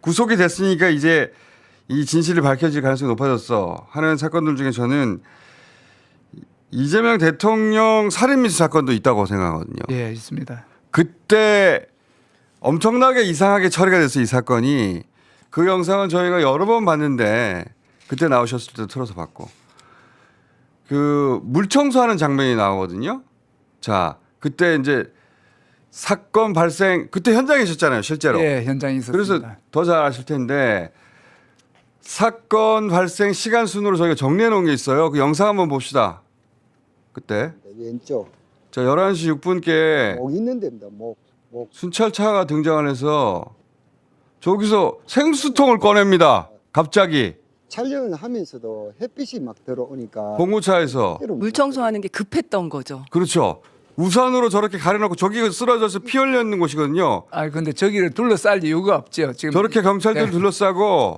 구속이 됐으니까 이제 이 진실이 밝혀질 가능성이 높아졌어 하는 사건들 중에 저는 이재명 대통령 살인미수 사건도 있다고 생각하거든요. 예, 있습니다. 그때 엄청나게 이상하게 처리가 됐어 이 사건이. 그 영상은 저희가 여러 번 봤는데 그때 나오셨을 때도 틀어서 봤고 그 물청소하는 장면이 나오거든요. 자 그때 이제 사건 발생 그때 현장에 있었잖아요 실제로. 예, 현장에 있었습니다. 그래서 더 잘 아실 텐데 사건 발생 시간 순으로 저희가 정리해 놓은 게 있어요. 그 영상 한번 봅시다. 그때 왼쪽 자 11시 6분께 목 있는 데입니다. 목. 순찰차가 등장을 해서 저기서 생수통을 꺼냅니다. 갑자기 촬영을 하면서도 햇빛이 막 들어오니까 봉고차에서 물 청소하는 게 급했던 거죠. 그렇죠. 우산으로 저렇게 가려놓고 저기 쓰러져서 피 흘려 있는 곳이거든요. 아, 근데 저기를 둘러쌀 이유가 없죠. 지금 저렇게 경찰들 네. 둘러싸고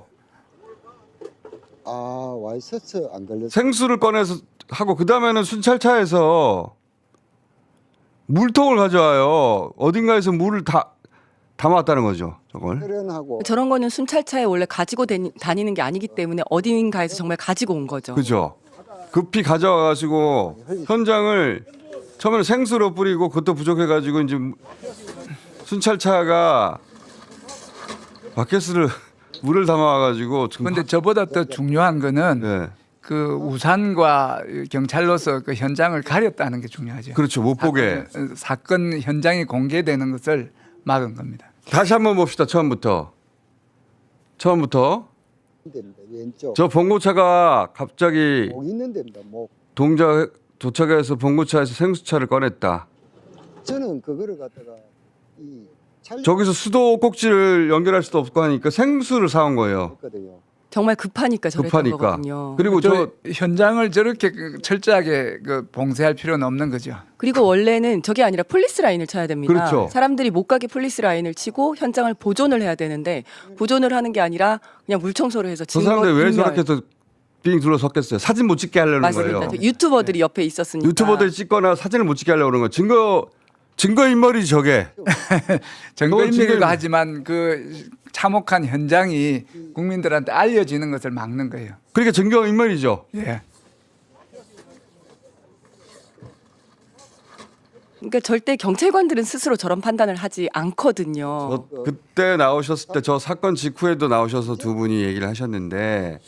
아 와이셔츠 안 걸렸어. 생수를 꺼내서 하고 그 다음에는 순찰차에서 물통을 가져와요. 어딘가에서 물을 다 담아왔다는 거죠. 저걸. 혈연하고 저런 거는 순찰차에 원래 가지고 다니는 게 아니기 때문에 어딘가에서 정말 가지고 온 거죠. 그죠. 급히 가져와가지고 현장을 처음에는 생수로 뿌리고 그것도 부족해가지고 이제 순찰차가 바켓을 물을 담아와가지고 근데 저보다 더 중요한 거는 네. 그 우산과 경찰로서 그 현장을 가렸다는 게 중요하죠. 그렇죠. 못 보게. 사건 현장이 공개되는 것을 막은 겁니다. 다시 한번 봅시다. 처음부터. 데입니다. 왼쪽 저 봉고차가 갑자기 목 있는 데입니다. 목. 도착해서 봉고차에서 생수차를 꺼냈다. 저는 그거를 갖다가 이 촬영 저기서 수도 꼭지를 연결할 수도 없고 하니까 생수를 사온 거예요. 했거든요. 정말 급하니까 저랬던 급하니까. 거거든요. 그리고 저 현장을 저렇게 철저하게 그 봉쇄할 필요는 없는 거죠. 그리고 원래는 저게 아니라 폴리스 라인을 쳐야 됩니다. 그렇죠. 사람들이 못 가게 폴리스 라인을 치고 현장을 보존을 해야 되는데 보존을 하는 게 아니라 그냥 물 청소를 해서 저 증거 사람들 왜 인멸. 저렇게 또 빙 둘러섰겠어요. 사진 못 찍게 하려는 맞습니다. 거예요. 저 유튜버들이 옆에 있었으니까. 유튜버들이 찍거나 사진을 못 찍게 하려고 그러는 거예요. 증거 인멸이지 저게. 증거인멸이기도 지금- 하지만 그 참혹한 현장이 국민들한테 알려지는 것을 막는 거예요. 그러니까 증거 인멸이죠. 예. 그러니까 절대 경찰관들은 스스로 저런 판단을 하지 않거든요. 그때 나오셨을 때 저 사건 직후에도 나오셔서 두 분이 얘기를 하셨는데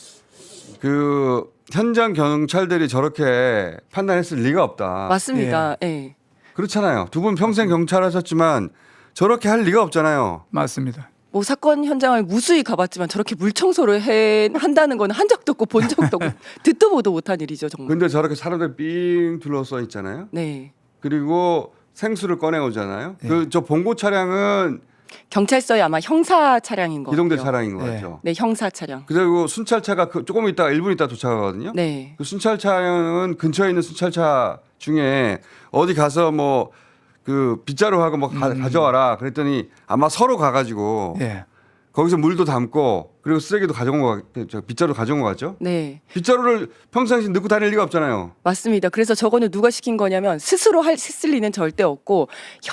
그 현장 경찰들이 저렇게 판단했을 리가 없다. 맞습니다. 예. 그렇잖아요. 두 분 평생 경찰 하셨지만 저렇게 할 리가 없잖아요. 맞습니다. 뭐 사건 현장을 무수히 가봤지만 저렇게 물 청소를 한다는 건 한 적도 없고 본 적도 없고 듣도 보도 못한 일이죠 정말. 근데 저렇게 사람들 삥 둘러서 있잖아요. 네. 그리고 생수를 꺼내오잖아요. 네. 그 저 봉고 차량은 경찰서에 아마 형사 차량인 거. 기동대 차량인 것 네. 같죠. 네, 형사 차량. 그리고 순찰차가 조금 있다가 1분 있다 도착하거든요. 네. 그 순찰차량은 근처에 있는 순찰차 중에 어디 가서 뭐 그 빗자루하고 뭐 가져와라 그랬더니 아마 서로 가가지고 예. 거기서 물도 담고 그리고 쓰레기도 가져온 거 빗자루 가져온 거 같죠? 네. 빗자루를 평상시 넣고 다닐 리가 없잖아요. 맞습니다. 그래서 저거는 누가 시킨 거냐면 스스로 했을 리는 절대 없고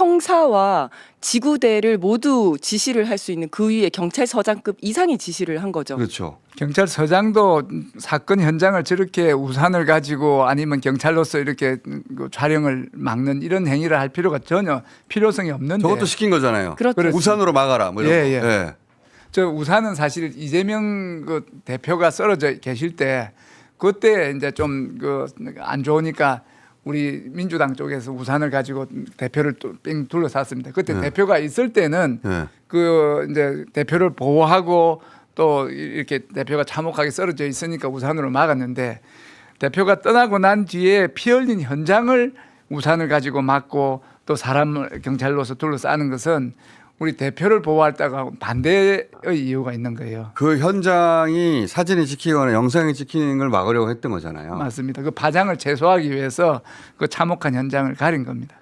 형사와 지구대를 모두 지시를 할 수 있는 그 위에 경찰서장급 이상의 지시를 한 거죠. 그렇죠. 경찰서장도 사건 현장을 저렇게 우산을 가지고 아니면 경찰로서 이렇게 그 촬영을 막는 이런 행위를 할 필요가 전혀 필요성이 없는데 저것도 시킨 거잖아요. 그렇죠. 우산으로 막아라. 뭐 이런 예, 거. 예. 저 우산은 사실 이재명 그 대표가 쓰러져 계실 때 그때 이제 좀 그 안 좋으니까 우리 민주당 쪽에서 우산을 가지고 대표를 또 삥 둘러쌌습니다. 그때 네. 대표가 있을 때는 예. 그 이제 대표를 보호하고 또 이렇게 대표가 참혹하게 쓰러져 있으니까 우산으로 막았는데 대표가 떠나고 난 뒤에 피 흘린 현장을 우산을 가지고 막고 또 사람을 경찰로서 둘러싸는 것은 우리 대표를 보호할다고 반대의 이유가 있는 거예요. 그 현장이 사진이 찍히거나 영상이 찍히는 걸 막으려고 했던 거잖아요. 맞습니다. 그 파장을 최소화하기 위해서 그 참혹한 현장을 가린 겁니다.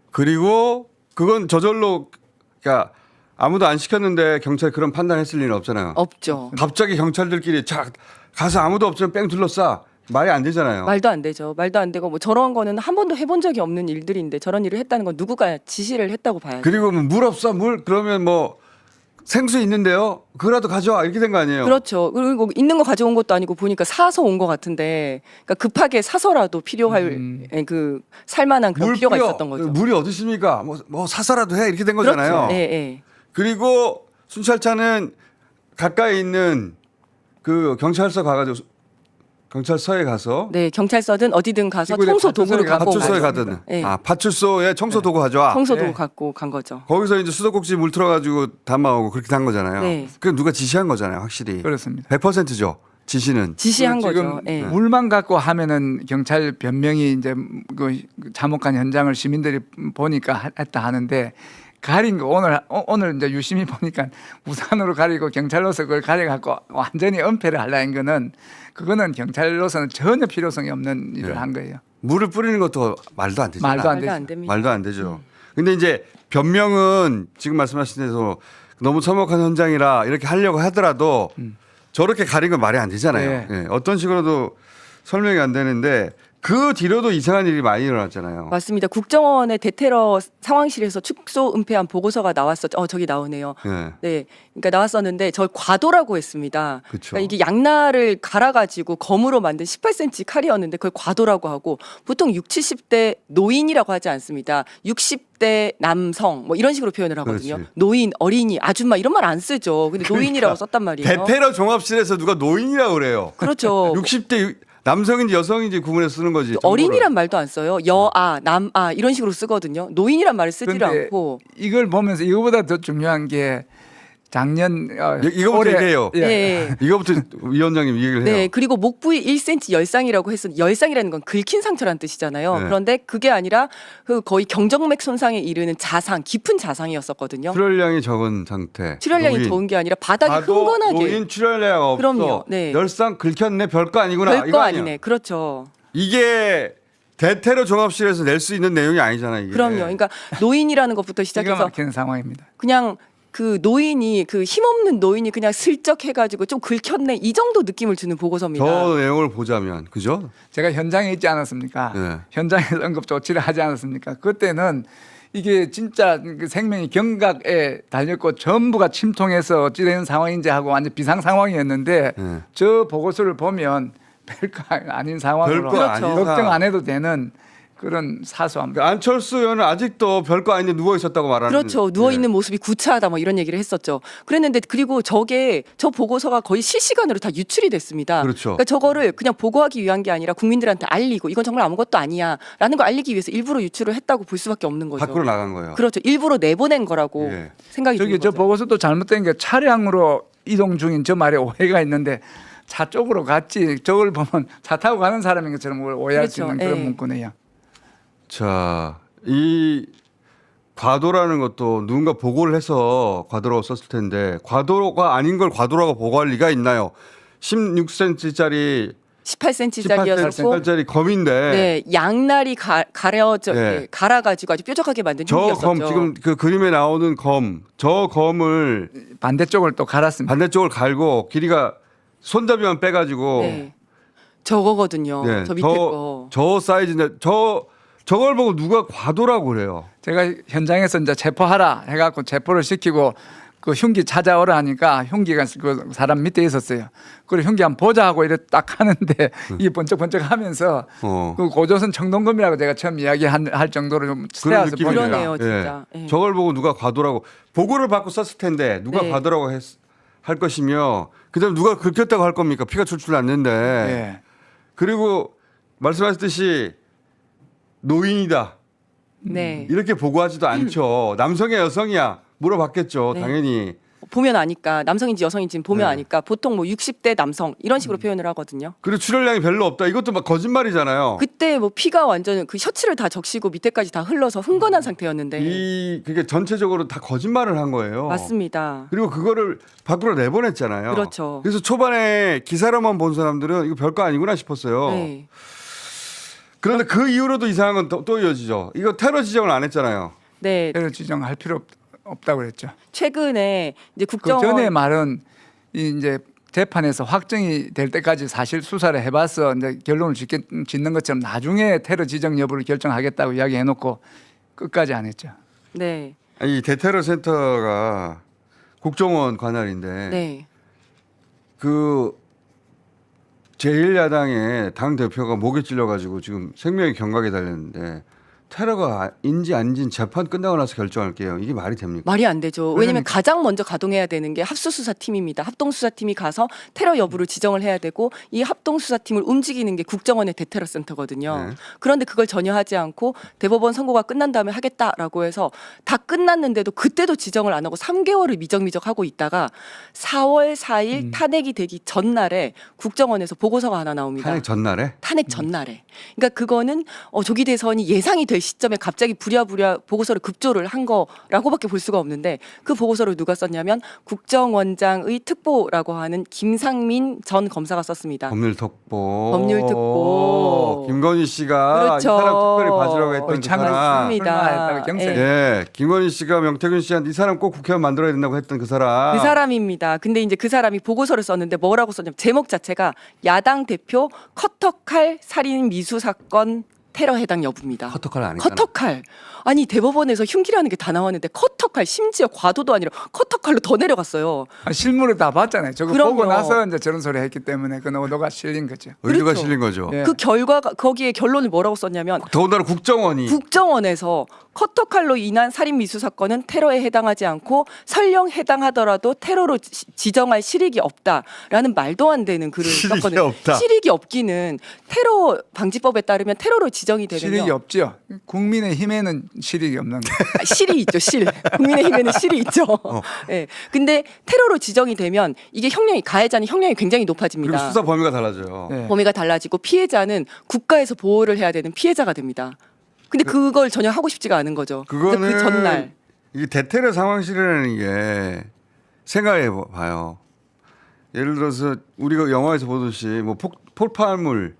그리고 그건 저절로 그러니까 아무도 안 시켰는데 경찰이 그런 판단했을 리는 없잖아요. 없죠. 갑자기 경찰들끼리 자 가서 아무도 없으면 뺑 둘러싸 말이 안 되잖아요. 말도 안 되죠. 말도 안 되고 뭐 저런 거는 한 번도 해본 적이 없는 일들인데 저런 일을 했다는 건 누구가 지시를 했다고 봐야죠. 그리고 뭐 물 없어 물 그러면 뭐 생수 있는데요. 그거라도 가져와 이렇게 된 거 아니에요? 그렇죠. 그리고 있는 거 가져온 것도 아니고 보니까 사서 온 것 같은데, 그러니까 급하게 사서라도 필요할 그 살만한 그런 물 필요가 뿌려. 있었던 거죠. 물이 어디 있습니까? 뭐 사서라도 해 이렇게 된 거잖아요. 그렇죠. 예, 예. 그리고 순찰차는 가까이 있는 그 경찰서 가가지고 경찰서에 가서 네, 경찰서든 어디든 가서 지구대 청소 도구를 파출소에 갖고 파출소에 가죠. 가든 네. 파출소에 청소 도구 가져와. 청소 도구 네. 갖고 간 거죠. 거기서 이제 수도꼭지 물 틀어가지고 담아오고 그렇게 단 거잖아요. 네. 그 누가 지시한 거잖아요, 확실히. 그렇습니다. 100%죠. 지시는. 지시한 지금 거죠. 예. 물만 갖고 하면은 경찰 변명이 이제 그 참혹한 현장을 시민들이 보니까 했다 하는데, 가린 거 오늘 이제 유심히 보니까 우산으로 가리고 경찰로서 그걸 가려 갖고 완전히 은폐를 하려는 거는, 그거는 경찰로서는 전혀 필요성이 없는 일을 네. 한 거예요. 물을 뿌리는 것도 말도 안 되죠. 말도 안 말도 안 되죠. 됩니다. 말도 안 되죠. 근데 이제 변명은 지금 말씀하신 대로 너무 참혹한 현장이라 이렇게 하려고 하더라도 저렇게 가린 건 말이 안 되잖아요. 네. 예, 어떤 식으로도 설명이 안 되는데 그 뒤로도 이상한 일이 많이 일어났잖아요. 맞습니다. 국정원의 대테러 상황실에서 축소 은폐한 보고서가 나왔었죠. 저기 나오네요. 예. 네, 그러니까 나왔었는데 저 과도라고 했습니다. 그쵸. 그러니까 이게 양날을 갈아가지고 검으로 만든 18cm 칼이었는데 그걸 과도라고 하고, 보통 60, 70대 노인이라고 하지 않습니다. 60대 남성 뭐 이런 식으로 표현을 하거든요. 그렇지. 노인, 어린이, 아줌마 이런 말 안 쓰죠. 근데 노인이라고 썼단 말이에요. 대테러 종합실에서 누가 노인이라고 그래요. 그렇죠. 60대 남성인지 여성인지 구분해서 쓰는 거지. 어린이란 말도 안 써요. 여아, 남아 이런 식으로 쓰거든요. 노인이란 말을 쓰지를 그런데 않고. 이걸 보면서 이거보다 더 중요한 게 작년 이거부터 올해- 얘기해요. 예. 네. 이거부터 위원장님 얘기를 해요. 네, 그리고 목 부위 1cm 열상이라고 했었는데, 열상이라는 건 긁힌 상처란 뜻이잖아요. 네. 그런데 그게 아니라 그 거의 경정맥 손상에 이르는 자상, 깊은 자상이었었거든요. 출혈량이 적은 상태. 출혈량이 노인. 적은 게 아니라 바닥이 봐도 흥건하게. 노인 출혈량 없어. 그럼요. 네. 열상 긁혔네. 별거 아니구나. 별거 이거 아니야. 아니네. 그렇죠. 이게 대테러 종합실에서 낼 수 있는 내용이 아니잖아요. 이게. 그럼요. 그러니까 노인이라는 것부터 기가 시작해서 막히는 상황입니다. 그냥 그 노인이, 그 힘없는 노인이 그냥 슬쩍 해가지고 좀 긁혔네 이 정도 느낌을 주는 보고서입니다. 저 내용을 보자면 그죠? 제가 현장에 있지 않았습니까? 네. 현장에서 응급 조치를 하지 않았습니까? 그때는 이게 진짜 그 생명이 경각에 달렸고 전부가 침통해서 어찌되는 상황인지 하고 완전 비상 상황이었는데, 네. 저 보고서를 보면 별거 아닌 상황으로 별거 아닌 걱정 상황. 안 해도 되는 그런 사소함. 그러니까 안철수 의원은 아직도 별거 아닌데 누워 있었다고 말하는. 그렇죠. 누워 있는 네. 모습이 구차하다 뭐 이런 얘기를 했었죠. 그랬는데, 그리고 저 보고서가 거의 실시간으로 다 유출이 됐습니다. 그렇죠. 그러니까 저거를 그냥 보고하기 위한 게 아니라 국민들한테 알리고, 이건 정말 아무것도 아니야라는 걸 알리기 위해서 일부러 유출을 했다고 볼 수밖에 없는 거죠. 밖으로 나간 거예요. 그렇죠. 일부러 내보낸 거라고 예. 생각이 저기 드는 저 거죠. 보고서도 잘못된 게, 차량으로 이동 중인 저 말에 오해가 있는데 차 쪽으로 갔지, 저걸 보면 차 타고 가는 사람인 것처럼 그걸 오해할 수 그렇죠. 있는 그런 예. 문구네요. 자, 이 과도라는 것도 누군가 보고를 해서 과도라고 썼을 텐데, 과도가 아닌 걸 과도라고 보고할 리가 있나요? 16cm짜리 18cm짜리였고 18cm짜리 검인데 네, 양날이 가려져 네. 갈아가지고 아주 뾰족하게 만든 저 흉기였었죠. 검 지금 그 그림에 나오는 저 검을 반대쪽을 또 갈았습니다. 반대쪽을 갈고 길이가 손잡이만 빼가지고 네. 저거거든요. 네, 저 밑에 거. 저 사이즈인데 저걸 보고 누가 과도라고 그래요. 제가 현장에서 이제 체포하라 해갖고 체포를 시키고 그 흉기 찾아오라 하니까 흉기가 그 사람 밑에 있었어요. 그리고 흉기 한번 보자 하고 이렇게 딱 하는데 이게 번쩍번쩍 하면서 그 고조선 청동검이라고 제가 처음 이야기할 정도로 좀 그런 스테아서 느낌이네요. 보니까 그러네요, 진짜. 예. 저걸 보고 누가 과도라고 보고를 받고 썼을 텐데 누가 네. 과도라고 할 것이며 그다음 누가 긁혔다고 할 겁니까? 피가 출출 났는데 예. 그리고 말씀하셨듯이 노인이다 네. 이렇게 보고하지도 않죠. 남성이야 여성이야 물어봤겠죠. 네. 당연히. 보면 아니까, 남성인지 여성인지 보면 네. 아니까 보통 뭐 60대 남성 이런 식으로 표현을 하거든요. 그리고 출혈량이 별로 없다. 이것도 막 거짓말이잖아요. 그때 뭐 피가 완전 그 셔츠를 다 적시고 밑에까지 다 흘러서 흥건한 상태였는데. 그게 전체적으로 다 거짓말을 한 거예요. 맞습니다. 그리고 그거를 밖으로 내보냈잖아요. 그렇죠. 그래서 초반에 기사로만 본 사람들은 이거 별거 아니구나 싶었어요. 네. 그런데 그 이후로도 이상한 건 또 이어지죠. 이거 테러 지정을 안 했잖아요. 네. 테러 지정할 필요 없다고 그랬죠. 최근에 이제 그 국정원 전에 말은 이제 재판에서 확정이 될 때까지 사실 수사를 해봐서 이제 결론을 짓는 것처럼 나중에 테러 지정 여부를 결정하겠다고 이야기해놓고 끝까지 안 했죠. 네. 이 대테러 센터가 국정원 관할인데 네. 그 제1야당의 당 대표가 목에 찔려가지고 지금 생명의 경각에 달렸는데 테러가 인지 아닌지는 재판 끝나고 나서 결정할게요. 이게 말이 됩니까? 말이 안 되죠. 왜냐하면 그러니까. 가장 먼저 가동해야 되는 게 합수수사팀입니다. 합동수사팀이 가서 테러 여부를 지정을 해야 되고 이 합동수사팀을 움직이는 게 국정원의 대테러센터거든요. 네. 그런데 그걸 전혀 하지 않고 대법원 선고가 끝난 다음에 하겠다라고 해서 다 끝났는데도 그때도 지정을 안 하고 3개월을 미적미적하고 있다가 4월 4일 탄핵이 되기 전날에 국정원에서 보고서가 하나 나옵니다. 탄핵 전날에 탄핵 전날에. 그러니까 그거는 조기 대선이 예상이 될 시점에 갑자기 부랴부랴 보고서를 급조를 한 거라고밖에 볼 수가 없는데 그 보고서를 누가 썼냐면 국정원장의 특보라고 하는 김상민 전 검사가 썼습니다. 법률특보. 법률특보. 김건희 씨가 그렇죠. 이 사람 특별히 봐주라고 했던 그 의창을 사람. 맞습니다. 경세. 예. 예, 김건희 씨가 명태균 씨한테 이 사람 꼭 국회의원 만들어야 된다고 했던 그 사람. 그 사람입니다. 근데 이제 그 사람이 보고서를 썼는데 뭐라고 썼냐면 제목 자체가 야당 대표 커터칼 살인 미수 사건 테러 해당 여부입니다. 커터칼 안 했잖아. 커터칼. 아니 대법원에서 흉기라는 게 다 나왔는데 커터칼 심지어 과도도 아니라 커터칼로 더 내려갔어요. 실물을 다 봤잖아요. 저거 그럼요. 보고 나서 이제 저런 소리 했기 때문에 그 노도가 실린 거죠. 의도가 그렇죠. 실린 거죠. 예. 그 결과가 거기에 결론을 뭐라고 썼냐면 더군다나 국정원이 국정원에서 커터칼로 인한 살인 미수 사건은 테러에 해당하지 않고 설령 해당하더라도 테러로 지정할 실익이 없다라는 말도 안 되는 글을 실익이 썼거든요. 없다. 실익이 없기는 테러 방지법에 따르면 테러로 지정이 되면요. 실익이 없죠. 국민의힘에는 실익이 없는 거. 실이 있죠, 실. 국민의힘에는 실이 있죠. 예. 근데 테러로 지정이 되면 이게 형량이 가해자는 형량이 굉장히 그리고 높아집니다. 수사 범위가 달라져요. 예. 범위가 달라지고 피해자는 국가에서 보호를 해야 되는 피해자가 됩니다. 근데 그걸 전혀 하고 싶지가 않은 거죠. 그래서 그거는 그 전날 이게 대테러 상황실이라는 게 생각해 봐요. 예를 들어서 우리가 영화에서 보듯이 뭐 폭발물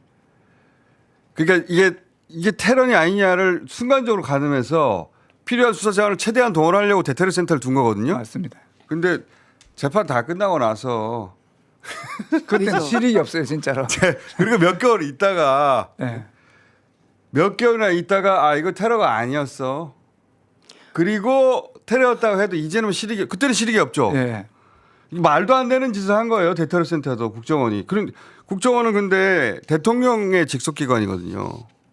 그러니까 이게 테러냐 아니냐를 순간적으로 가늠해서 필요한 수사 자원을 최대한 동원하려고 대테러 센터를 둔 거거든요. 맞습니다. 근데 재판 다 끝나고 나서 그때는 그래서- 실익이 없어요, 진짜로. 그리고 몇 개월 있다가 예. 몇 개월이나 있다가 아 이거 테러가 아니었어. 그리고 테러였다고 해도 이제는 실익이 그때는 실익이 없죠. 예. 말도 안 되는 짓을 한 거예요. 대테러 센터도 국정원이. 그런 국정원은 근데 대통령의 직속 기관이거든요.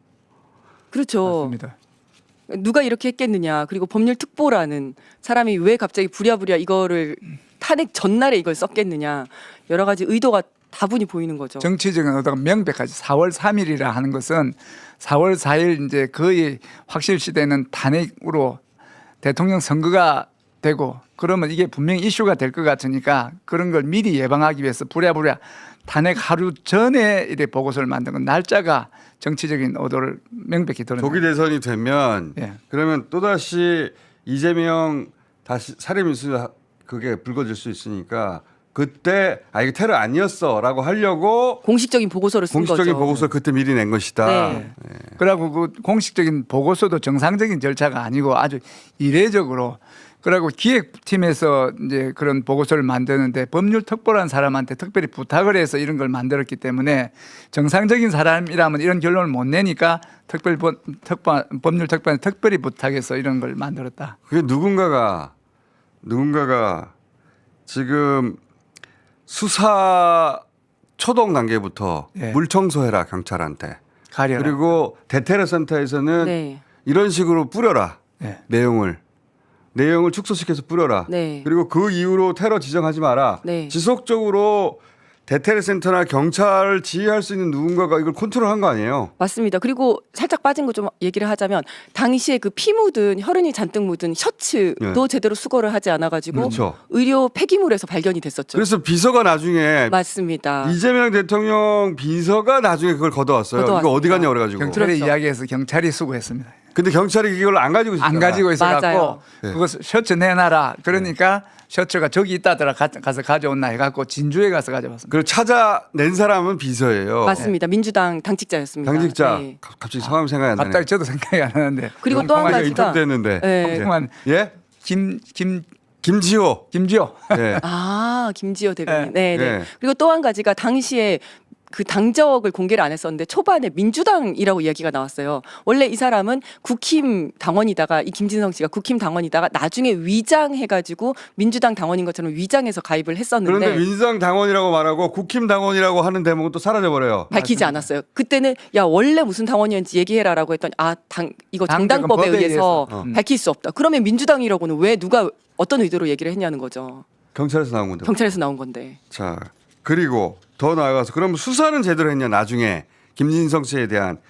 그렇죠. 맞습니다. 누가 이렇게 했겠느냐. 그리고 법률특보라는 사람이 왜 갑자기 부랴부랴 이거를 탄핵 전날에 이걸 썼겠느냐. 여러 가지 의도가 다분히 보이는 거죠. 정치적인 의도가 명백하지. 4월 3일이라 하는 것은 4월 4일 이제 거의 확실시되는 탄핵으로 대통령 선거가 되고 그러면 이게 분명히 이슈가 될 것 같으니까 그런 걸 미리 예방하기 위해서 부랴부랴 탄핵 하루 전에 이래 보고서를 만든 건 날짜가 정치적인 의도를 명백히 드러내요. 조기 대선이 되면 예. 그러면 또다시 이재명 다시 살인미수 그게 불거질 수 있으니까 그때 아 이게 테러 아니었어라고 하려고 공식적인 보고서를 쓴 공식적인 거죠. 보고서 그때 미리 낸 것이다. 네. 그리고 그 공식적인 보고서도 정상적인 절차가 아니고 아주 이례적으로 그리고 기획팀에서 이제 그런 보고서를 만드는데 법률특보라는 사람한테 특별히 부탁을 해서 이런 걸 만들었기 때문에 정상적인 사람이라면 이런 결론을 못 내니까 법률특보는 특별히 부탁해서 이런 걸 만들었다. 그게 누군가가 지금 수사 초동 단계부터 예. 물 청소해라 경찰한테. 가려라. 그리고 대테러 센터에서는 네. 이런 식으로 뿌려라 예. 내용을 축소시켜서 뿌려라. 네. 그리고 그 이후로 테러 지정하지 마라. 네. 지속적으로 대테러 센터나 경찰을 지휘할 수 있는 누군가가 이걸 컨트롤한 거 아니에요? 맞습니다. 그리고 살짝 빠진 거 좀 얘기를 하자면 당시에 그 피 묻은 혈흔이 잔뜩 묻은 셔츠도 네. 제대로 수거를 하지 않아가지고 그렇죠. 의료 폐기물에서 발견이 됐었죠. 그래서 비서가 나중에 맞습니다. 이재명 대통령 비서가 나중에 그걸 걷어왔어요. 이거 걷어왔습니다. 어디 갔냐 그래가지고. 경찰에 그렇죠. 이야기해서 경찰이 수고했습니다. 근데 경찰이 이걸 안 가지고 있었잖아. 안 가지고 있어갖고 맞아요. 네. 그거 셔츠 내놔라. 그러니까 셔츠가 저기 있다더라 가서 가져온나 해갖고 진주에 가서 가져왔습니다. 그걸 찾아낸 사람은 비서예요. 맞습니다. 민주당 당직자였습니다. 당직자. 네. 갑자기 성함이 생각이 안 나네. 갑자기 저도 생각이 안 나는데. 그리고 또 한 통화가 가지가 인터뷰됐는데. 네. 그만 예? 김지호. 김지호. 예. 아 김지호 대변인. 네. 네. 네. 네. 그리고 또 한 가지가 당시에 그 당적을 공개를 안 했었는데 초반에 민주당이라고 이야기가 나왔어요. 원래 이 사람은 국힘 당원이다가 이 김진성 씨가 국힘 당원이다가 나중에 위장해가지고 민주당 당원인 것처럼 위장해서 가입을 했었는데 그런데 민주당 당원이라고 말하고 국힘 당원이라고 하는 대목은 또 사라져 버려요. 밝히지 않았어요. 그때는 야 원래 무슨 당원이었는지 얘기해라라고 했더니 이거 당적은 정당법에 법에 의해서 의해서. 밝힐 수 없다. 그러면 민주당이라고는 왜 누가 어떤 의도로 얘기를 했냐는 거죠. 경찰에서 나온 건데. 경찰에서 나온 건데. 자, 그리고 더 나아가서 그럼 수사는 제대로 했냐 나중에 김진성 씨에 대한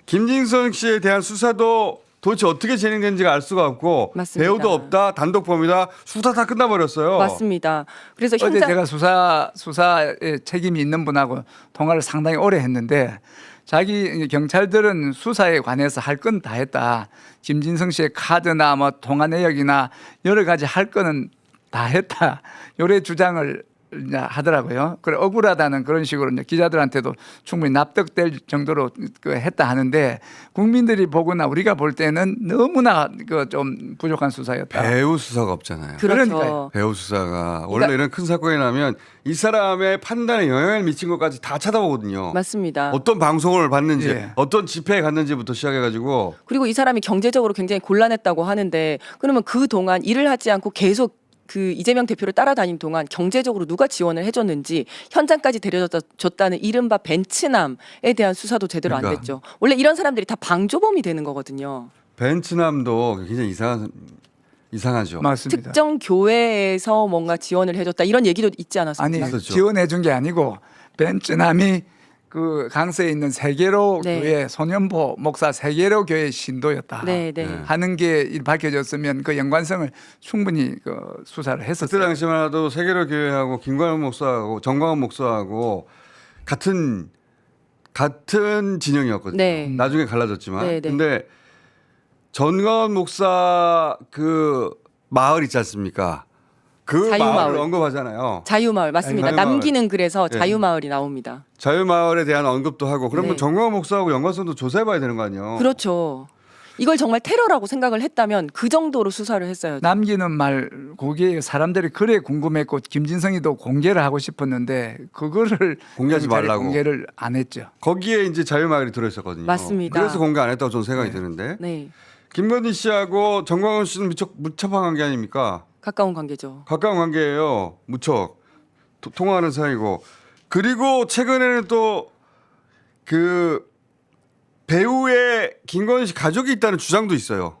수사도 도대체 어떻게 진행된지가 알 수가 없고 맞습니다. 배우도 없다 단독범이다 수사 다 끝나버렸어요. 맞습니다. 그래서 어제 현장 제가 수사에 책임이 있는 분하고 통화를 상당히 오래 했는데 자기 경찰들은 수사에 관해서 할 건 다 했다. 김진성 씨의 카드나 뭐 통화 내역이나 여러 가지 할 거는 다 했다. 요래 주장을 이제 하더라고요. 그래 억울하다는 그런 식으로 이제 기자들한테도 충분히 납득될 정도로 했다 하는데 국민들이 보거나 우리가 볼 때는 너무나 좀 부족한 수사였다. 배우 수사가 없잖아요. 그렇죠. 그러니까요. 배우 수사가 원래 그러니까- 이런 큰 사건이 나면 이 사람의 판단에 영향을 미친 것까지 다 쳐다보거든요. 맞습니다. 어떤 방송을 봤는지 예. 어떤 집회에 갔는지부터 시작해가지고 그리고 이 사람이 경제적으로 굉장히 곤란했다고 하는데 그러면 그 동안 일을 하지 않고 계속 그 이재명 대표를 따라다닌 동안 경제적으로 누가 지원을 해줬는지 현장까지 데려줬다는 이른바 벤츠남에 대한 수사도 제대로 안 그러니까. 됐죠. 원래 이런 사람들이 다 방조범이 되는 거거든요. 벤츠남도 굉장히 이상하죠. 맞습니다. 특정 교회에서 뭔가 지원을 해줬다 이런 얘기도 있지 않았습니까? 아니 있었죠. 지원해 준 게 아니고 벤츠남이 그 강서에 있는 세계로 네. 교회 손현보 목사 세계로 교회 신도였다. 네, 네. 네. 하는 게 밝혀졌으면 그 연관성을 충분히 수사를 그때 했었어요. 당시만 해도 세계로 교회하고 김광현 목사하고 정광훈 목사하고 같은 진영이었거든요. 네. 나중에 갈라졌지만. 네, 네. 근데 전광훈 목사 그 마을 있지 않습니까? 그 자유마을. 마을을 언급하잖아요. 자유마을 맞습니다. 자유마을. 남기는 글에서 예. 자유마을이 나옵니다. 자유마을에 대한 언급도 하고 그러면 네. 정광훈 목사하고 연관성도 조사해봐야 되는 거 아니에요? 그렇죠. 이걸 정말 테러라고 생각을 했다면 그 정도로 수사를 했어야죠. 남기는 말 거기에 사람들이 그래 궁금했고 김진성이도 공개를 하고 싶었는데 그거를 공개하지 경찰이 말라고. 공개를 안 했죠. 거기에 이제 자유마을이 들어있었거든요. 맞습니다. 그래서 공개 안 했다고 저는 생각이 드는데 네, 김건희 씨하고 정광훈 씨는 무척 관계 아닙니까? 가까운 관계죠. 가까운 관계예요. 무척 통화하는 사이고 그리고 최근에는 또 그 배우의 김건희 씨 가족이 있다는 주장도 있어요.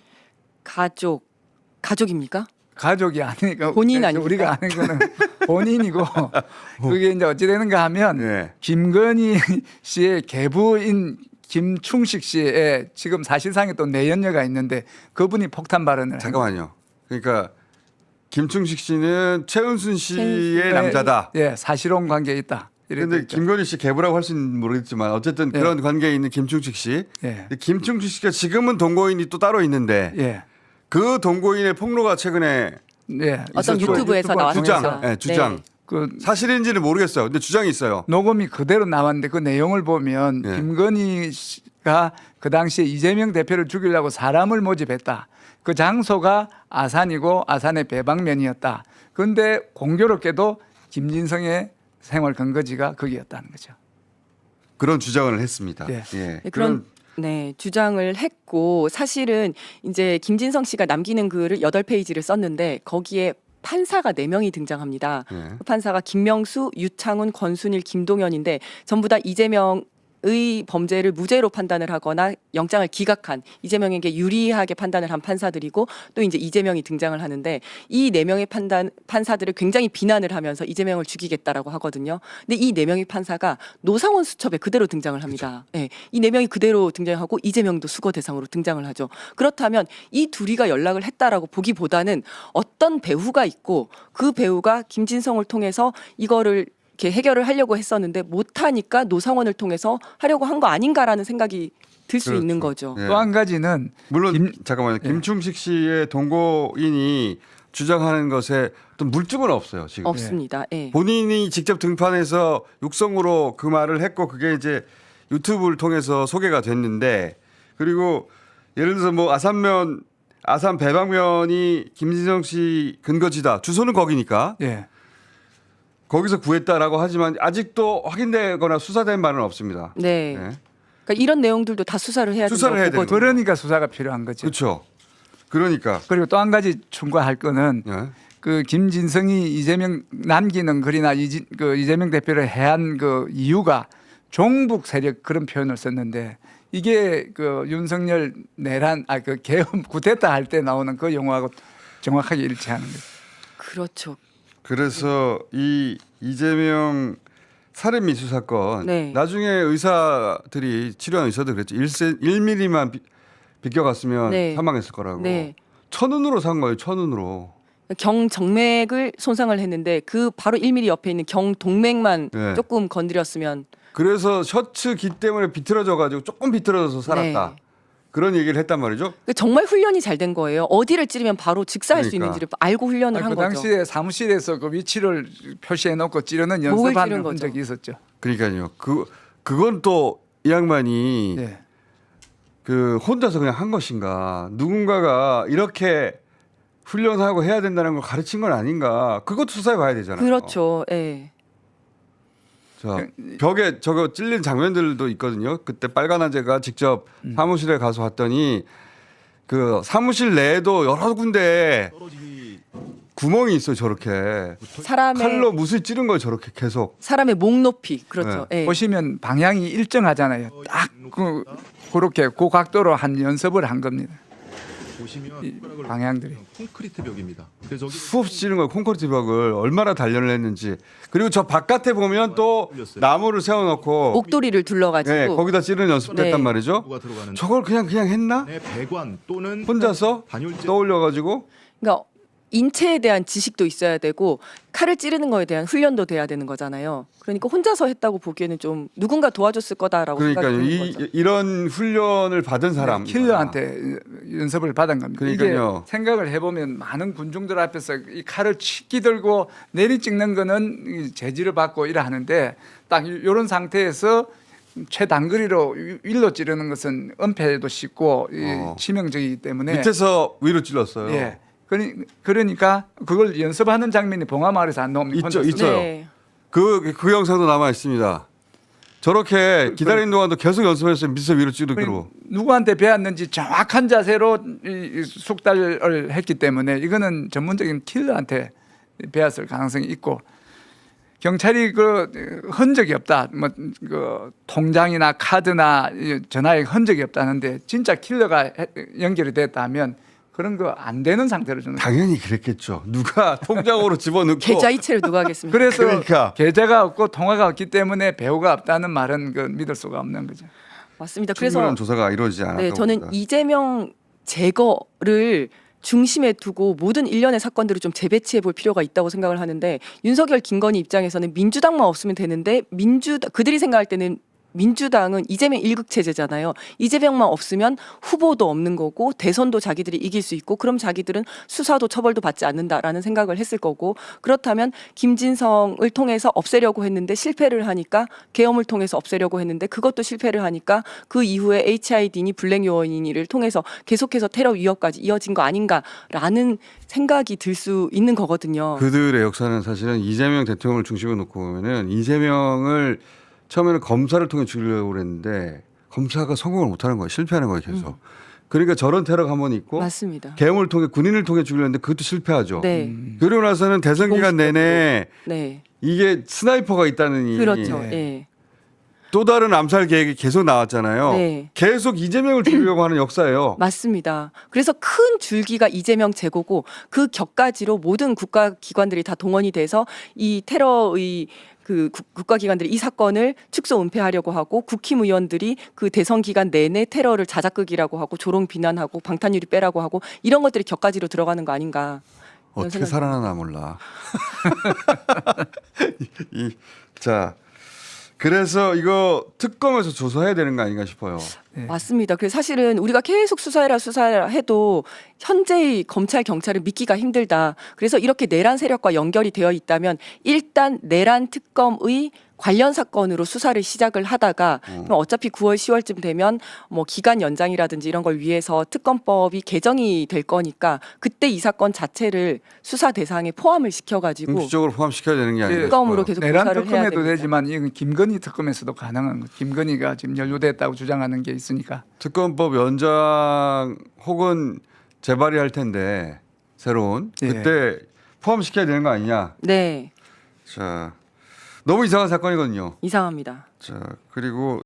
가족입니까? 가족이 아니니까 본인 아닙니까? 우리가 아는 거는 본인이고 그게 이제 어찌 되는가 하면 네. 김건희 씨의 계부인 김충식 씨의 지금 사실상의 또 내연녀가 있는데 그분이 폭탄 발언을 잠깐만요. 그러니까 김충식 씨는 최은순 씨의 네, 남자다. 예, 사실혼 관계에 있다. 그런데 이랬죠. 김건희 씨 계부라고 할 수는 모르겠지만 어쨌든 예. 그런 관계에 있는 김충식 씨. 예. 근데 김충식 씨가 지금은 동거인이 또 따로 있는데 예. 그 동거인의 폭로가 최근에 예. 어떤 있었죠. 유튜브에서 나왔습니다. 주장, 네, 주장. 네. 그 사실인지는 모르겠어요. 근데 주장이 있어요. 녹음이 그대로 나왔는데 그 내용을 보면 예. 김건희 씨가 그 당시에 이재명 대표를 죽이려고 사람을 모집했다. 그 장소가 아산이고 아산의 배방면이었다. 그런데 공교롭게도 김진성의 생활 근거지가 거기였다는 거죠. 그런 주장을 했습니다. 예. 네, 그런 주장을 했고 사실은 이제 김진성 씨가 남기는 글을 8페이지를 썼는데 거기에 판사가 4명이 등장합니다. 예. 그 판사가 김명수, 유창훈, 권순일, 김동연인데 전부 다 이재명의 범죄를 무죄로 판단을 하거나 영장을 기각한 이재명에게 유리하게 판단을 한 판사들이고 또 이제 이재명이 등장을 하는데 이 4명의 판사들을 굉장히 비난을 하면서 이재명을 죽이겠다라고 하거든요. 근데 이 4명의 판사가 노상원 수첩에 그대로 등장을 합니다. 네, 이 4명이 그대로 등장하고 이재명도 수거 대상으로 등장을 하죠. 그렇다면 이 둘이가 연락을 했다라고 보기보다는 어떤 배우가 있고 그 배우가 김진성을 통해서 이거를 이렇게 해결을 하려고 했었는데 못하니까 노상원을 통해서 하려고 한 거 아닌가라는 생각이 들 수 그렇죠. 있는 거죠. 예. 또 한 가지는 물론 잠깐만요. 예. 김충식 씨의 동거인이 주장하는 것에 어떤 물증은 없어요. 지금 없습니다. 예. 본인이 직접 등판해서 육성으로 그 말을 했고 그게 이제 유튜브를 통해서 소개가 됐는데 그리고 예를 들어서 뭐 아산 배방면이 김진성 씨 근거지다. 주소는 거기니까. 예. 거기서 구했다라고 하지만 아직도 확인되거나 수사된 바는 없습니다. 네. 네. 그러니까 이런 내용들도 다 수사를 해야 수사를 해야 된다고 되는 보거든요. 그러니까 수사가 필요한 거죠. 그렇죠. 그러니까 그리고 또 한 가지 충고할 거는 예. 그 김진성이 이재명 남기는 글이나 그 이재명 대표를 해한 그 이유가 종북 세력 그런 표현을 썼는데 이게 그 윤석열 내란 그 계엄 쿠데타 할 때 나오는 그 용어하고 정확하게 일치하는 거죠. 그렇죠. 그래서 이 이재명 살인 미수 사건 네. 나중에 의사들이 치료한 의사들 그랬죠. 1mm만 비껴갔으면 네. 사망했을 거라고. 네. 천운으로 산 거예요. 천운으로. 경정맥을 손상을 했는데 그 바로 1mm 옆에 있는 경동맥만 네. 조금 건드렸으면 그래서 셔츠 기 때문에 비틀어져 가지고 조금 비틀어져서 살았다. 네. 그런 얘기를 했단 말이죠. 정말 훈련이 잘 된 거예요. 어디를 찌르면 바로 직사할 수 그러니까. 있는지를 알고 훈련을 한 그 거죠. 당시에 사무실에서 그 위치를 표시해 놓고 찌르는 목을 연습하는 찌른 거죠. 흔적이 있었죠. 그러니까요. 그건 또 이 양반이 네. 그 혼자서 그냥 한 것인가 누군가가 이렇게 훈련하고 해야 된다는 걸 가르친 건 아닌가 그것도 수사해 봐야 되잖아요. 그렇죠. 예. 자, 벽에 저거 찔린 장면들도 있거든요. 그때 빨간아재가 직접 사무실에 가서 봤더니 그 사무실 내에도 여러 군데 구멍이 있어요. 저렇게 사람의 칼로 무술 찌른 걸 저렇게 계속. 사람의 목 높이 그렇죠. 예. 보시면 방향이 일정하잖아요. 딱 그렇게 그 각도로 한 연습을 한 겁니다. 보시면 이 방향들이. 콘크리트 벽입니다. 그래서 저기 수없이 찌른 걸 콘크리트 벽을 얼마나 단련을 했는지. 그리고 저 바깥에 보면 또 나무를 세워놓고 목도리를 둘러가지고 네, 거기다 찌르는 연습도 네. 했단 말이죠. 누가 들어가는 저걸 그냥 했나? 배관 또는 혼자서 단열재 떠올려가지고 그러니까 인체에 대한 지식도 있어야 되고 칼을 찌르는 거에 대한 훈련도 돼야 되는 거잖아요. 그러니까 혼자서 했다고 보기에는 좀 누군가 도와줬을 거다라고 그러니까요. 생각이 드는 거죠. 이런 훈련을 받은 사람 킬러한테 연습을 받은 겁니다. 그러니까요. 이게 생각을 해보면 많은 군중들 앞에서 이 칼을 치기 들고 내리 찍는 거는 이 제지를 받고 이래 하는데 딱 이런 상태에서 최단거리로 일로 찌르는 것은 은폐도 쉽고 치명적이기 때문에 밑에서 위로 찔렀어요. 예. 그러니까 그걸 연습하는 장면이 봉화마을에서 안 나옵니까? 있죠, 혼자서? 있죠. 네. 그 영상도 남아 있습니다. 저렇게 기다리는 동안도 계속 연습했어요. 밑에서 위로 찌르기로. 누구한테 배웠는지 정확한 자세로 이 숙달을 했기 때문에 이거는 전문적인 킬러한테 배웠을 가능성이 있고 경찰이 그 흔적이 없다. 뭐 그 통장이나 카드나 전화에 흔적이 없다는데 진짜 킬러가 연결이 됐다면 그런 거 안 되는 상태로 주는 거예요. 당연히 그랬겠죠. 누가 통장으로 집어넣고 계좌이체를 누가 하겠습니까? 그래서 그러니까. 계좌가 없고 통화가 없기 때문에 배우가 없다는 말은 그 믿을 수가 없는 거죠. 맞습니다. 충분한 그래서 조사가 이루어지지 않았다고 네, 저는 봅니다. 이재명 제거를 중심에 두고 모든 일련의 사건들을 좀 재배치해 볼 필요가 있다고 생각을 하는데 윤석열 김건희 입장에서는 민주당만 없으면 되는데 그들이 생각할 때는 민주당은 이재명 일극 체제잖아요. 이재명만 없으면 후보도 없는 거고 대선도 자기들이 이길 수 있고 그럼 자기들은 수사도 처벌도 받지 않는다라는 생각을 했을 거고 그렇다면 김진성을 통해서 없애려고 했는데 실패를 하니까 계엄을 통해서 없애려고 했는데 그것도 실패를 하니까 그 이후에 HID니 블랙 요원이니를 통해서 계속해서 테러 위협까지 이어진 거 아닌가라는 생각이 들 수 있는 거거든요. 그들의 역사는 사실은 이재명 대통령을 중심에 놓고 보면은 이재명을 처음에는 검사를 통해 죽이려고 그랬는데 검사가 성공을 못하는 거예요. 실패하는 거예요. 계속. 그러니까 저런 테러가 한 번 있고 맞습니다. 계엄을 통해 군인을 통해 죽이려 했는데 그것도 실패하죠. 네. 그러고 나서는 대선 기간 공식적으로. 내내 네. 이게 스나이퍼가 있다느니 그렇죠. 네. 예. 또 다른 암살 계획이 계속 나왔잖아요. 네. 계속 이재명을 죽이려고 하는 역사예요. 맞습니다. 그래서 큰 줄기가 이재명 제고고 그 격가지로 모든 국가기관들이 다 동원이 돼서 이 테러의 그 국가기관들이 이 사건을 축소 은폐하려고 하고 국힘의원들이 그 대선 기간 내내 테러를 자작극이라고 하고 조롱 비난하고 방탄유리 빼라고 하고 이런 것들이 격가지로 들어가는 거 아닌가. 이런 어떻게 생각이 살아나나 몰라. 자, 그래서 이거 특검에서 조사해야 되는 거 아닌가 싶어요. 맞습니다. 그래서 사실은 우리가 계속 수사해라 해도 현재의 검찰 경찰을 믿기가 힘들다. 그래서 이렇게 내란 세력과 연결이 되어 있다면 일단 내란 특검의 관련 사건으로 수사를 시작을 하다가 그럼 어차피 9월 10월쯤 되면 뭐 기간 연장이라든지 이런 걸 위해서 특검법이 개정이 될 거니까 그때 이 사건 자체를 수사 대상에 포함을 시켜가지고 공식적으로 포함시켜야 되는 게 아니라 특검으로 계속 내란 조사를 해야 특검에도 됩니다. 되지만 이건 김건희 특검에서도 가능한 거. 김건희가 지금 연루됐다고 주장하는 게 있으니까. 특검법 연장 혹은 재발이 할 텐데 새로운 예. 그때 포함시켜야 되는 거 아니냐. 네, 자, 너무 이상한 사건이거든요. 이상합니다. 자, 그리고